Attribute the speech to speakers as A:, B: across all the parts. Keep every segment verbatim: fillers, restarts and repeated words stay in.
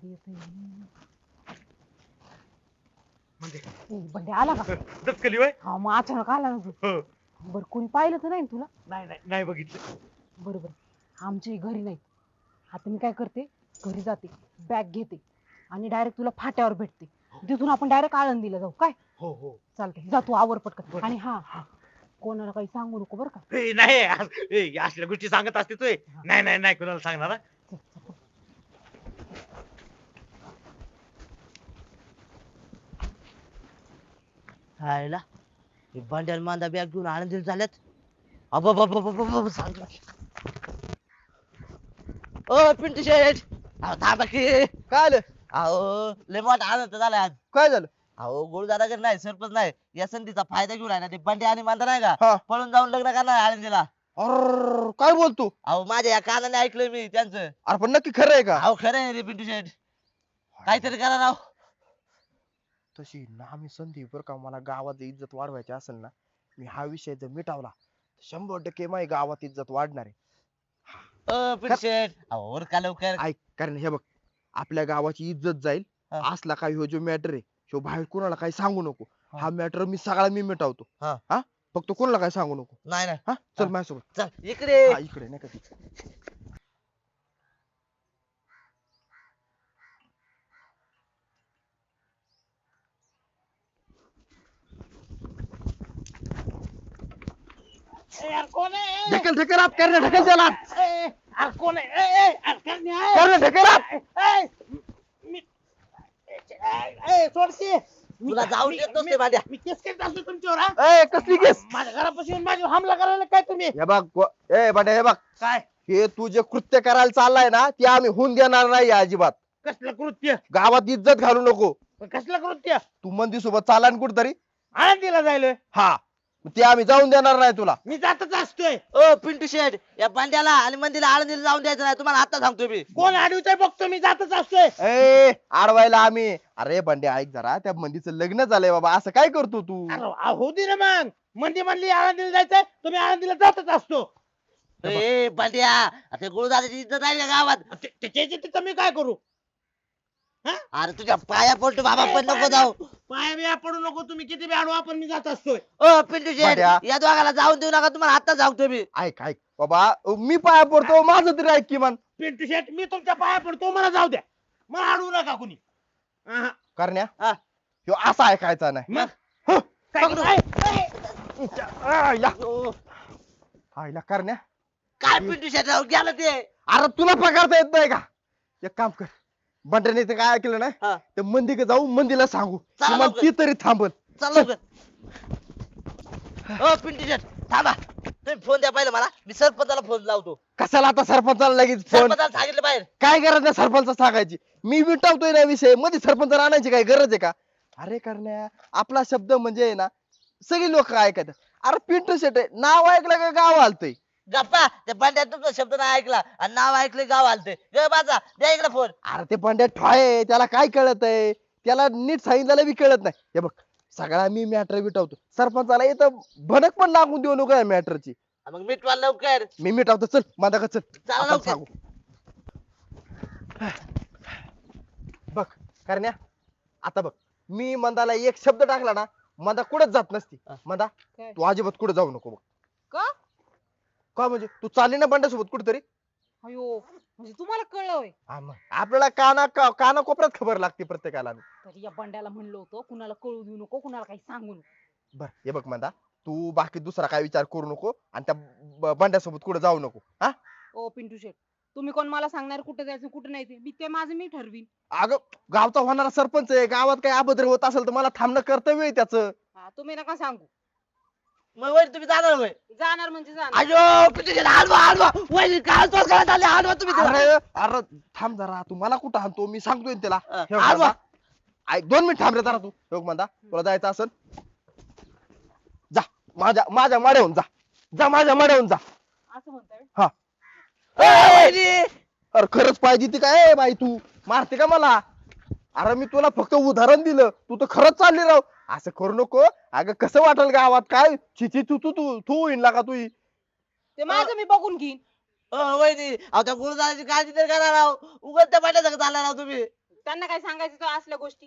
A: कधी येतोय
B: म्हणजे
A: ए, बंडे आला का?
B: दचकली वय
A: हा मग अचानक आला ना तू.
B: हो
A: बर कोणी पाहिलं तर नाही ना तुला?
B: नाही नाही नाही बघितलं
A: बरोबर आमच्या घरी नाही. आता मी काय करते, घरी जाते, बॅग घेते आणि डायरेक्ट तुला फाट्यावर भेटते. तिथून आपण डायरेक्ट आळंदीला जाऊ काय?
B: हो हो
A: चालतंय, जा तू आवर पटकन.
B: बरं.
A: आणि हा हा कोणाला काही सांगू नको बरं का?
B: ए, नाही आज- ए, या असल्या गोष्टी सांगत असते तू नाही नाही नाही कोणाला सांगणार हा.
A: चल, चल.
C: हायला हे भांड्याला मांदा बॅग घेऊन आनंदीला झाल्यात. अबा बाबा बाबा बाबा सांग ओ पिंटू शेठ, अहो थांबा की.
D: काय आलं?
C: अहो लय मोठा आनंद झाला आज.
D: काय झालं?
C: अहो गुरुदादाकडे नाही, सरपंच नाही, या संधीचा फायदा घेऊन आहे ना ते बंड्या आणि मांदा नाही
D: हा.
C: का पळून जाऊन लग्न करणार आनंदीला.
D: अर काय बोलतो?
C: अहो माझ्या या कानाने ऐकलं मी त्यांचं.
D: अरे पण नक्की खरं आहे का?
C: अहो खरं आहे रे पिंटू शेठ, काहीतरी करा राव.
D: तशी नामी संधी बर का, मला गावात इज्जत वाढवायची असेल ना, मी हा विषय जर मिटावला तर शंभर टक्के माझी गावात इज्जत वाढणार आहे.
C: ओ पिंटू शेठ, अहो उरका लवकर.
D: ऐक, कारण हे बघ, आपल्या गावाची इज्जत जाईल.
C: हा.
D: असला काही ह्यो जो मॅटर आहे ह्यो बाहेर कोणाला काही सांगू नको.
C: हा.
D: हा मॅटर मी सगळा मी मिटवतो.
C: हा.
D: हा फक्त कोणाला काही सांगू नको.
C: नाही नाही
D: हा चल
C: हा.
D: माझ्यासोबत.
C: चल इकडे.
D: हा इकडे नाही का ती.
B: ए, यार कोण आहे
D: ढकल ढकल आप करणे ढकल त्याला.
B: ए, ए, अरे कोण आहे ए, ए, अरे करणे आहे.
D: करणे ढकल आप.
B: ए, मी ए, ए, सोडते मी-
C: तुला जाऊ
B: मी-
C: देत नसते
B: मी-
C: भांड्या.
B: मी केस करत असतो तुमच्यावर हा?
D: ए कसली केस?
B: माझ्या घरापासून येऊन माझ्यावर हमला करायला काय तुम्ही
D: हे बघ गो- ए बंड्या हे बघ,
B: काय
D: हे तू जे कृत्य करायला चाललाय ना ते आम्ही होऊन देणार नाही अजिबात.
B: कसलं कृत्य
D: गावात इज्जत घालू नको.
B: पण कसलं कृत्य
D: तू मंदी सोबत चाला ना कुठतरी.
B: आळंदीला जायलोय
D: हा ते आम्ही जाऊन देणार नाही तुला.
B: मी जातच असतोय
C: ओ पिंटू शेठ, या पांड्याला आणि मंदीला आळंदीला जाऊन द्यायचं नाही, तुम्हाला आता सांगतो मी.
B: कोण अडवतोय बघतो मी जातच असतोय
D: ए आडवायला आम्ही. अरे बंड्या ऐक जरा, त्या मंदीचं लग्न झालंय बाबा, असं काय करतो तू?
B: अरे आ, होऊ दे ना मग मंदी म्हणली आळंदीला जायचंय तुम्ही आळंदीला जातच असतो
C: ए पांड्या, आता गुरुदादाची इज्जत आहे का गावात?
B: ते- त्याच्या तिथं मी काय करू
C: अरे तुझ्या पाया पडतो बाबा, पण नको जाऊ.
B: पाया बिया पडू नको तुम्ही किती बी अडवा पण मी जात असतोय
C: ओ पिंटू शेठ,
D: पांड्या.
C: या दोघाला जाऊन देऊ नका, तुम्हाला आता सांगतो मी.
D: ऐक ऐक बाबा, मी पाया पडतो, माझं तरी ऐक किमान.
B: पिंटू शेट मी तुमच्या पाया पडतो मला जाऊ द्या मला अडवू नका कुणी आहा.
D: करण्या
C: हा.
D: ह्यो असा ऐकायचा नाही.
B: मग
D: हं.
B: काय करू? ऐ, ऐ.
D: आयला
C: ओ,
D: आयला करण्या.
C: काय पिंटू शेठ राव गेलं ते.
D: अरे तुला पकडता येत नाही का? एक काम कर, बंड्याने ते काय ऐकलं ना,
C: हा.
D: ते मंदी जाऊ मंदीला सांगू,
C: चला
D: किमान
C: लवकर.
D: ती तरी थांबल.
C: चल लवकर. ओ पिंटू शेठ थांबा, तुम्ही फोन द्या पहिलं मला, मी सरपंचाला फोन लावतो.
D: कशाला आता सरपंचाला लगेच फोन?
C: सरपंचाला सांगितलं बाहेर.
D: काय गरज नाही सरपंच सांगायची, मी मिटावतोय ना विषय, मध्ये सरपंच आणायची काय गरज आहे का? अरे करण्या, आपला शब्द म्हणजे आहे ना, सगळी लोक ऐकतात. अरे पिंटू शेट आहे, नाव ऐकलं का गाव हालतंय.
C: गप्पा, त्या पांड्या तुमचा शब्द नाही ऐकला आणि नाव ऐकले गाव आलते. गे बाजा, द्या इकडे फोन.
D: अरे ते बंड्या ठॉय, त्याला काय कळत आहे? त्याला नीट सांगितलं बी कळत नाही. हे बघ, सगळा मी मॅटर मिटवतो, सरपंचाला इथं भनक पण लागून देऊ नको या मॅटरची.
C: मग मिटवा लवकर.
D: मी मिटावतो, चल माझा का चल
C: चला
D: आपण
C: लवकर.
D: सांगू. बघ करण्या, आता बघ, मी मंदाला एक शब्द टाकला ना, मंदा कुठंच जात नसती.
C: हा.
D: मंदा
A: काय?
D: तू अजिबात कुठे जाऊ नको बघ.
A: का?
D: का म्हणजे तू चालली ना बंड्यासोबत कुठेतरी?
A: अयो म्हणजे तुम्हाला कळलं होय?
D: हा मग. आपल्याला काना का- काना कोपऱ्यात खबर लागते प्रत्येकाला.
A: तरी या बंड्याला म्हणलं होतं कुणाला कळू देऊ नको, कुणाला काही सांगू नको.
D: बर हे बघ मंदा, तू बाकी दुसरा काय विचार करू नको आणि त्या ब- बंड्यासोबत कुठे जाऊ नको. हा
A: ओ पिंटू शेट, तुम्ही कोण मला सांगणार कुठे जायचं कुठे नाही ते? मी ते माझं मी ठरवीन.
D: अगं, गावचा होणारा सरपंच आहे, गावात काही अभद्र होत असेल तर मला थांबणं कर्तव्य आहे त्याचं.
A: हा तुम्ही नका सांगू.
C: मग वैर तुम्ही जाणार होय?
A: जाणार म्हणजे जाणार.
C: अयो पिंटू शेठ, हलवा हलवा, वैर काय तोच करत आले, हलवा तुम्ही त्याला.
D: अरे अरे थांब जरा, तू मला कुठं आणतो, मी सांगतोय ना त्याला.
C: अं,
D: हे बघ
C: हलवा.
D: मंदा, ऐक दोन मिनिट थांब रे जरा तू. हे बघ मंदा, तुला जायचं असेल जा, माझ्या माझ्या माड्याहून जा, जा माझ्या माड्याहून जा.
A: असं म्हणताय?
D: हा.
C: ए, वैरी.
D: अरे खरंच पाहिजे ती काय ए बाई, तू मारते का मला? अरे मी तुला फक्त उदाहरण दिलं, तू तर खरंच चालली राव. असं करू नको. अगं कसं वाटेल गावात, काय छिची तू तू तू तू होईन का तू?
A: ते माझं मी बघून घेईन.
C: ओ वैरी, अहो त्या गुरुदाराची काळजी तर करा राव, उगाच त्या पांड्या संग चालला राव तुम्ही.
A: त्यांना काय सांगायचं तो असल्या गोष्टी?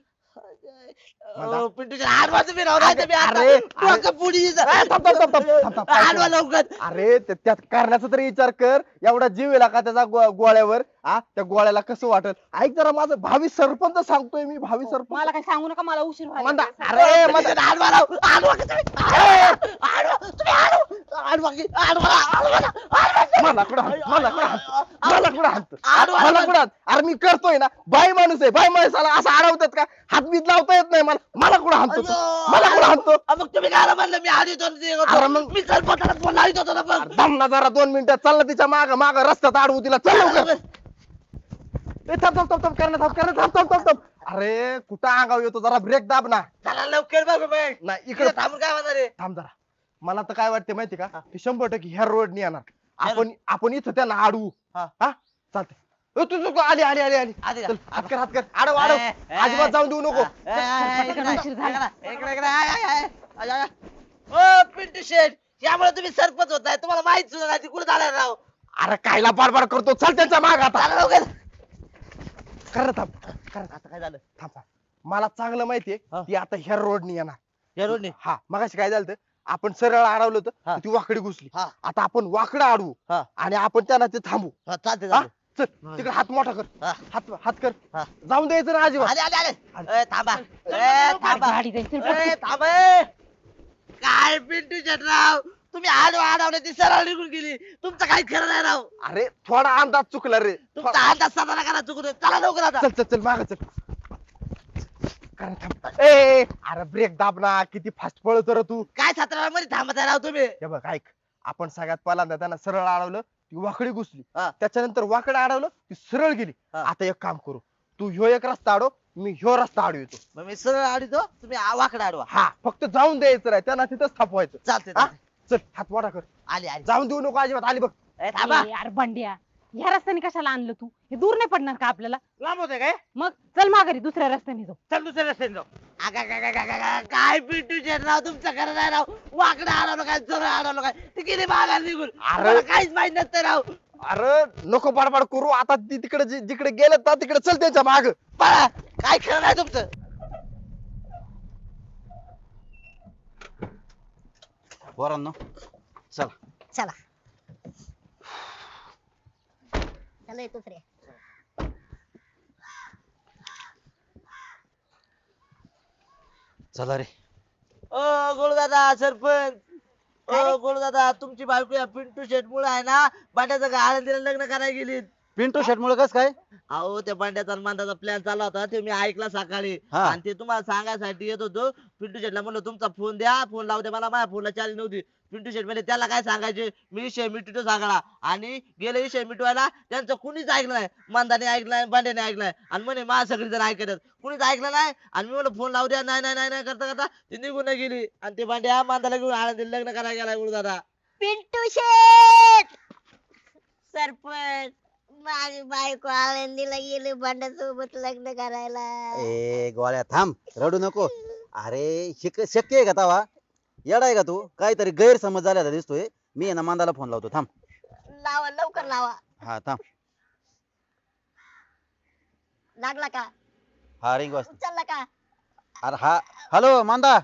C: अहो, पिंटू शेट आडवा तुम्ही राहू नाही तर मी आता
D: अरे,
C: डोकं पुढे
D: ए, थांब, थांब, थांब, थांब, थांब, थांब,
C: आडवा
D: थांब.
C: लवकर.
D: अरे ते- त्यात करण्याचा तरी विचार कर. एवढा जीव येला का त्याचा गो- गोळ्यावर आ त्या गोळ्याला कसं वाटल? ऐक जरा माझं भावी सरपंच सांगतोय मी, भावी सरपंच.
A: मला काय सांगू नका, मला उशीर व्हायला
D: मंदा,
A: लागलाय.
D: अरे
C: पिंटू
D: मंदा,
C: शेट आडवा राहू. आडवा का तुम्ही? आडवा, आडवा, तुम्ही आडवा. आडवा की- आडवा राहा, आडवा राहा, आडवा राहा.
D: मला कुठं हात- मला कुठं हात- मला कुठं हात?
C: आडवा
D: मला
C: राहा.
D: कुठं हात? अरे मी करतोय ना, बाई माणूस आहे, बाई माणसाला असं अडवतात का? हातबीत लावता येत नाही मला. मला कुठं हाणतो तू?
C: अयो,
D: मला कुठं हाणतो?
C: अ, मग तुम्ही काय म्हणलं मी आधी दोन ते होतो.
D: अरे मग-
C: मी सरपंचाला फोन लावित होतो ना
D: अरे
C: मग.
D: दम ना जरा दोन मिनिटात चाल ना तिच्या माग माग रस्त्यात अडवू तिला, चल लवकर. ए, थांब थांब थांब थांब करणं थांब करणं थांब थांब थांब थांब. अरे कुठं अंगाव येतो, जरा ब्रेक दाब ना.
C: चला लवकर बघ मग.
D: नाही
C: इकडे
D: इकडे
C: थांबून काय होणार आहे?
D: थांब जरा. मला तर काय वाटते माहिती का, ते शंभर टक्के ह्या रोडनी येणार. आपण आपण इथं त्यांना अडवू.
C: हा.
D: हा चालतंय. ए, तू तू आली आली आली आली
C: आली का?
D: चल, हात कर हात कर अडव अडव.
C: ए, ए,
D: अजिबात जाऊन देऊ नको.
C: ए, ए, ए, इकडे
A: उशीर झाला.
C: इकडे, इकडे, इकडे, आय, आय, आय, आय, आय. ओ पिंटू शेट, यामुळे तुम्ही सरपंच होताय, तुम्हाला माहित सुद्धा नाही कुठे झालाय राव.
D: अरे कायला बाडबाड करतो, चल त्यांच्या माग आता.
C: चला लवकर.
D: कर थांब कर
C: आता काय झालं?
D: थांब थांब. मला चांगलं माहितीये
C: हा.
D: ती आता ह्या रोडनी येणार.
C: या रोडने?
D: हा मगाशी काय झालं होतं, आपण सरळ अडवलं होतं
C: हा.
D: ती वाकडी घुसली.
C: हा.
D: आता आपण वाकडं अडवू
C: हा.
D: आणि आपण त्यांना ते थांबू.
C: हा, चालते
D: हा?
C: चालते.
D: चल तिकडे हात मोठा कर.
C: हा.
D: हात हात कर.
C: हा.
D: जाऊन द्यायचं ना अजिबात.
C: आले आले आले. ए, थांबा. ए, थांबा.
A: गाडी जायचं
C: ए, थांबा, ए. काय पिंटू शेट राव, तुम्ही आडवा आडवणे ती सरळ निघून गेली. तुमचं काही खरं नाही राव.
D: अरे थोडा अंदाज चुकला रे.
C: तुमचा अंदाज साधा करा चुकून. चला लवकर आता.
D: चल चल चल माग चल. कर थांब. ए, ए अरे ब्रेक दाब ना, किती फास्ट पळतो रे तू.
C: काय सतरा मध्ये थांबत आहे राव तुम्ही?
D: हे बघ ऐक, आपण सगळ्यात पहिल्यांदा त्यांना सरळ अडवलं, ती वाकडी घुसली.
C: हा.
D: त्याच्यानंतर वाकडं अडवलं, ती सरळ गेली.
C: हा.
D: आता एक काम करू, तू ह्यो एक रस्ता अडव, मी ह्यो रस्ता अडवितो.
C: मग मी सरळ आडतो, तुम्ही आ- वाकडं आडवा.
D: हा फक्त जाऊन द्यायचं नाही, त्यांना तिथंच थांबवायचं.
C: चालते
D: हा?
C: चालते.
D: चल हात मोठा कर.
C: आली आली.
D: जाऊन देऊ नको अजिबात. आली बघ.
C: ए, थांबा.
A: यार बंड्या, ह्या रस्त्याने कशाला आणलं तू? हे दूर नाही पडणार का आपल्याला?
B: लांब होते काय?
A: मग चल माघारी दुसऱ्या रस्त्याने जाऊ.
B: चल दुसऱ्या रस्त्याने जाऊ.
C: आगा, गा, गा, गा, गा, गा. काय पिंटू शेट राव, तुमचं खरं नाही राव. वाकडं आडवलं काय, सरळ आडवलं काय, ते गेली माघार निघून.
D: अरे.
C: मला काहीच माहित नसतं राव.
D: अरे नको बडबड करू, आता ती तिकडे जि- जिकडे गेलं ना तिकडे चल त्यांच्या माग.
C: पळा. काय खरं नाही तुमचं.
E: पोरांनो चला.
F: चला चला येतो दुसरे.
E: चला रे.
C: ओ गोळदादा सरपंच.
F: काय रे?
C: ओ गोळदादा, तुमची बायको या पिंटू शेट मुळे आहे ना बांड्याचं आळंदीला लग्न करायला गेली.
E: पिंटू शेट मुळे कस काय?
C: अहो त्या बांड्याचा आणि मांदाचा प्लॅन चालला होता, ते मी ऐकला सकाळी.
E: हा.
C: आणि ते तुम्हाला सांगायसाठी येत होतो. पिंटू शेटला म्हणलं तुमचा फोन द्या, फोन लावू द्या. मला माझ्या फोनला चार्ज नव्हती. पिंटू शेट म्हणजे त्याला काय सांगायचे, मी विषय मिटवतो सगळा. आणि गेले विषय मिटवायला त्यांचं कुणीच ऐकलं नाही. मांदाने ऐकलाय, बांड्याने ऐकलाय, आणि म्हणे मा सगळी जण ऐकतात. कुणीच ऐकलं नाही. आणि मी म्हणलं फोन लावू द्या, नाही नाही नाही नाही करता करता ती निघून गेली. आणि ते बांड्या मांदाला घेऊन आळंदीला लग्न करायला गेलाय गुरुदादा.
F: पिंटू शेठ सरपंच, माझी बायको आळंदीला गेली भांड्यासोबत लग्न करायला.
E: ए गोळ्या थांब, रडू नको. अरे शिक- शक्य आहे का तवा? येडा आहे का तू? काहीतरी गैरसमज झाल्याचा दिसतोय. मी आहे ना मांदाला फोन लावतो, थांब.
F: लावा लवकर लावा.
E: हा थांब.
F: लागला का?
E: हा रिंग वाजते.
F: उचलला का?
E: अरे हा हॅलो मांदा.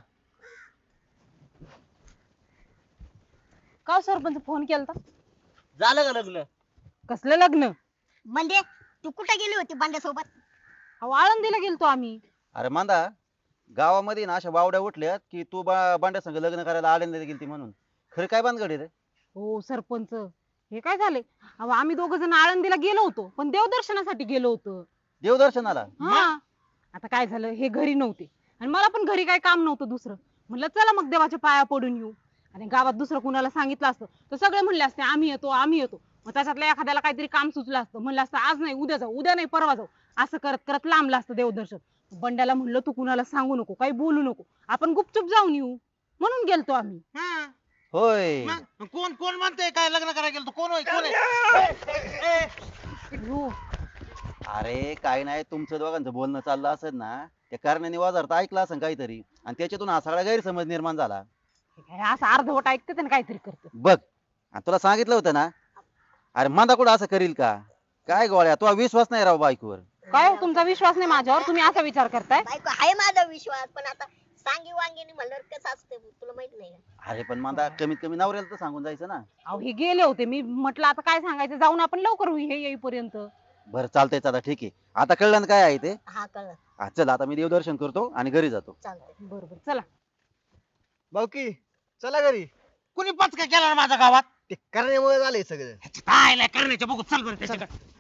A: का हो सरपंच फोन केलता?
C: झालं का लग्न?
A: कसलं लग्न?
F: म्हणजे तू कुठे गेली होती भांड्यासोबत?
A: अहो आळंदीला गेलतो आम्ही.
E: अरे मांदा, गावामध्ये ना अशा बावड्या उठल्यात की तू बा बांड्या संग लग्न करायला आळंदीला गेलती म्हणून. खरं काय बांधगड आहे रे?
A: हो सरपंच, हे काय झाले? अहो आम्ही दोघ जण आळंदीला गेलो होतो, पण देवदर्शनासाठी गेलो होतो.
E: देवदर्शनाला?
A: हा. आता काय झालं, हे घरी नव्हते आणि मला पण घरी काय काम नव्हतं दुसरं. म्हणलं चला मग देवाच्या पाया पडून येऊ. आणि गावात दुसरं कुणाला सांगितलं असतं तर सगळे म्हणले असते आम्ही येतो आम्ही येतो. मग त्याच्यातल्या एखाद्याला काहीतरी काम सुचलं असतं, म्हणलं असतं आज नाही उद्या जाऊ, उद्या नाही परवा जाऊ, असं करत करत लांबलं असतं देवदर्शन. बंड्याला म्हणलं तू कुणाला सांगू नको, काही बोलू नको, आपण गुपचूप जाऊन येऊ, म्हणून गेलतो आम्ही.
B: हा.
E: होय.
B: मग कोण कोण म्हणतंय काय लग्न करायला गेलो? कोण होय कोण आहे?
A: हो.
E: अरे काय नाही, तुमचं दोघांचं बोलणं चाललं असेल ना, त्या कारणाने वाजारता ऐकलं असेल काहीतरी, आणि त्याच्यातून हा सगळा गैरसमज निर्माण झाला.
A: हे काय असं अर्धवट ऐकते आणि काहीतरी करते.
E: बघ, आणि तुला सांगितलं होतं ना. अरे मांदा कुठं असं करील का? काय गोळ्या, तुला विश्वास नाही राव बायकोवर.
A: काय हो, तुमचा विश्वास नाही माझ्यावर, तुम्ही असा विचार करताय?
F: बायको आहे माझा विश्वास, पण आता सांगी वांगीने म्हणल्यावर कसं असतं तुला माहित नाही का?
E: अरे पण मांदा कमीत कमी नवऱ्याला तर सांगून जायचं ना.
A: अहो हे गेले होते, मी म्हटलं आता काय सांगायचं, जाऊन आपण लवकर होऊ हे येईपर्यंत.
E: बरं चालतंय आता ठीक आहे. आता कळलं ना काय आहे ते.
F: हा कळलं.
E: हा, चल आता मी देवदर्शन करतो आणि घरी जातो.
F: चालतंय.
A: बरोबर चला.
D: भाऊकी चला घरी.
B: कुणी पचका केला ना माझ्या गावात?
D: ते करण्यामुळे झालंय सगळं.
B: काय करण्याच्या बघू चल बरं त्याच्याकडे.